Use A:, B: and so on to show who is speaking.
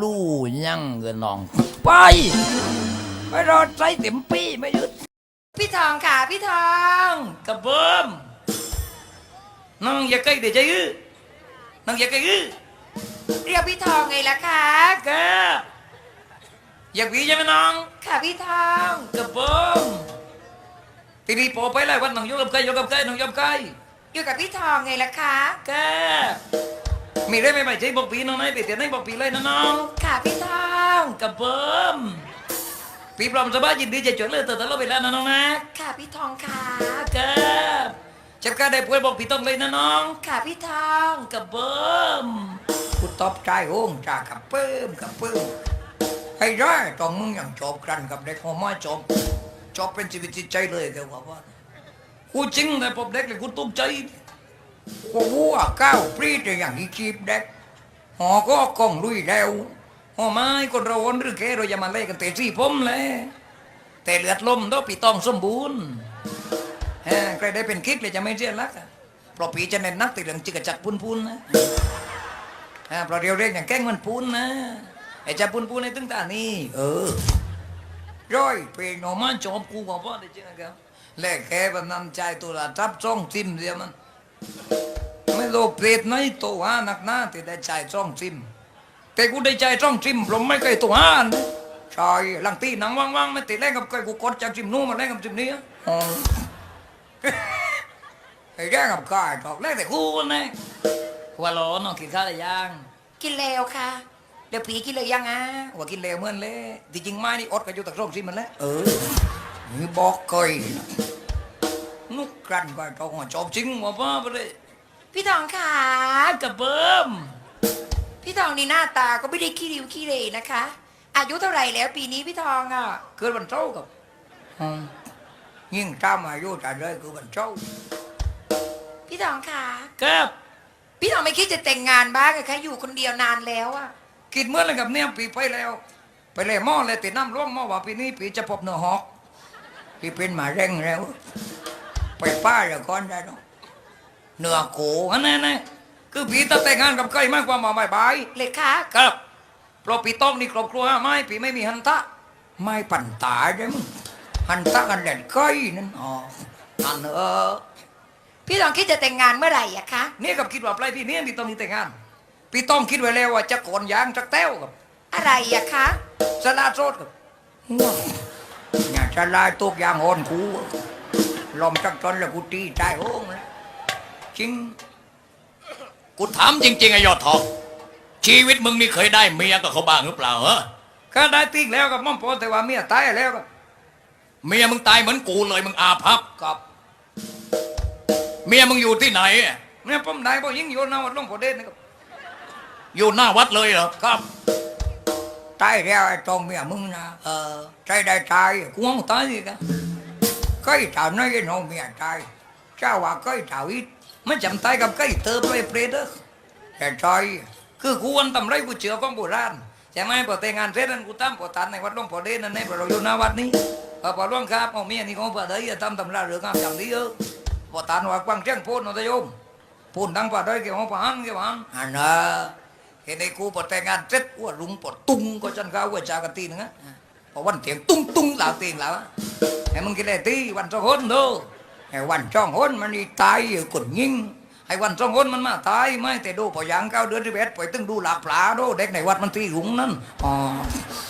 A: ลู่ยังเงินน้องไปไปรอใจเต็มปีไม่หยุดพี่ทองค่ะพี่ทองกระเบิ่มน้องอย่าใกล้เดี๋ยวจะยื้อน้องอย่าใกล้ยื้อเรียกพี่ทองไงล่ะคะแกอยากพี่ใช่ไหมน้องค่ะพี่ทองกระเบิ่มทีนี้พอไปเลยวันน้องยกกับใครยกกับใครน้องยกกับใครอยู่กับพี่ทองไงล่ะคะแกมีได้ไหมใช่บอกปีน้องไหนไปเตียนไหนบอกปีเลยนะน้องค่ะพี่ทองกระเบิ่มพี่พร้อมสบายยินดีจะจดเลยแต่เราไปแล้วนะน้องนะค่ะพี่ทองค่ะแกจับการได้ป่วยบอกพี่ต้องเลยนะน้องค่ะพี่ทองกระเบิ่มกูตอบใจโอ้งจ่ากระเบิ่มกระเบิ่มให้ได้ตอนมึงอย่างจบกันกับเด็กหัวไม้จบเป็นชีวิตจิตใจเลยแกว่ากูจริงแต่พบเด็กเลยกูตกใจกูวัวก้าวปรีดอย่างที่ชีพเด็กหอก็กองลุยแล้วหอไม้คนเราวนหรือแกเราจะมาเล่กันเตะซี่ผมเลยแต่เลือดลมต้องปีต้องสมบูรณ์ใครได้เป็นคิดเลยจะไม่เสียรักเพราะปีจะเน้นนักติดเรื่องจิกจักพูนนะเพราะเรียวเรียกอย่างแกล้งมันพูนนะไอ้จะพูนในตึ้งตานี่ร้อยเป็นหน่อไม้จอบกูบอกว่าได้จริงนะครับแลกแค่แบบนำใจตัวละทับจ้องซิมเดียวมันไม่โลภเปรตไหนตัวหาหนักหน้าที่ได้ใจจ้องซิมแต่กูได้ใจจ้องซิมผมไม่เคยตัวหาใช่หลังตีหนังว่างๆไม่ติดแรงกับใครกูกดจากซิมนู้นมาแรงกับซิมนี้ไอ้แรงกับใครตอกแรงแต่กูนะหัวร้อนน้องกินข้าวหรือยังกินแล้วค่ะเดี๋ยวผีกินเลยยังว่ากินแล้วเหมือนเลยที่จริงไม่นี่อดกันอยู่ตักร่องซิมมันแล้วนี่บอกเคยนุกกันก็ต้องจบจริงว่าป้าไปเลยพี่ทองขากระเบิ่มพี่ทองนี่หน้าตาก็ไม่ได้ขี้ริ้วขี้เรนะคะอายุเท่าไหร่แล้วปีนี้พี่ทองเกิดวันเจ้ากับยิ่งตามอายุจะเลยคือวันเจ้าพี่ทองขาครับพี่ทองไม่คิดจะแต่งงานบ้างเหรอคะอยู่คนเดียวนานแล้วคิดเมื่อไรกับเนี่ยปีไปแล้วไปเลยหม้อเลยติดน้ำร่วงหม้อว่าปีนี้ปีจะพบเนื้อหอกพี่เป็นหมาเร่งแล้วไปป้าเดี๋ยวก่อนได้หรอเนื้อโขนั่นคือพี่ต้องแต่งงานกับใครมากกว่ามาบายเลยค่ะครับเพราะพี่ต้องนี่ครอบครัวไม่พี่ไม่มีหันตะไม่ปั่นตาใช่ไหมหันตะกันแดดใกล้นั่นอันพี่ต้องคิดจะแต่งงานเมื่อไหร่อะคะนี่กับคิดว่าปลายพี่นี้พี่ต้องมีแต่งงานพี่ต้องคิดไว้แล้วว่าจะโกนยางจะแต้วกับอะไรอะคะสลาโซดกับอย่าสลาตกยางหอนคูลมจักจนแล้วกูตีใจโอ้งแล้วจริง
B: กูถามจริงๆไอ้ยอดทองชีวิตมึงนี่เคยได้เมียกับเขาบ้างหรือเปล่า
A: ก็ได้ติ๊กแล้วกับม่อมพอแต่ว่าเมียตายแล้วกับ
B: เมียมึงตายเหมือนกูเลยมึงอาภัพ
A: กับ
B: เมียมึงอยู่ที่ไหน
A: เนี่ยผมได้บ่ยิ่งโยนเอาหลวงพ่อเด่นนะครับ
B: อยู่หน้าวัดเลยเหรอ
A: ครับตายแล้วไอ้ตรงเมียมึงนะใจได้ตายกูงตายกันก็อีท่าน้อยน้องเมียตายเจ้าว่าก็อีท่าวิทไม่จำตายกับก็อีเติมไปเปรตแต่ใจคือกูวันทำไรกูเชื่อของโบราณใช่ไหมพอแต่งงานเสร็จนั้นกูตั้มพอตันในวัดหลวงพ่อเด่นนั่นในพอเราอยู่หน้าวัดนี้พอหลวงครับเอาเมียนี่ของพอได้ทำราเรื่องงามอย่างนี้พอตันว่ากวางเจ้งพูนนายโยมพูนดังพอได้เกี่ยวกับพานอันน่ะเห็นไอ้กูพอแต่งงานเสร็จว่าลุงปอดตุ้งก็จันข้าวว่าจากตีนึงพอวันเถียงตุ้งหล่าตีนแล้วไอ้มึงกินอะไรตีวันสองคนดูไอ้วันสองคนมันนี่ตายอยู่กดยิงไอ้วันสองคนมันมาตายไม่แต่ดูพอยัง9 เดือน11ปล่อยตึงดูหลักปลาดูเด็กในวัดมันตีหุงนั่น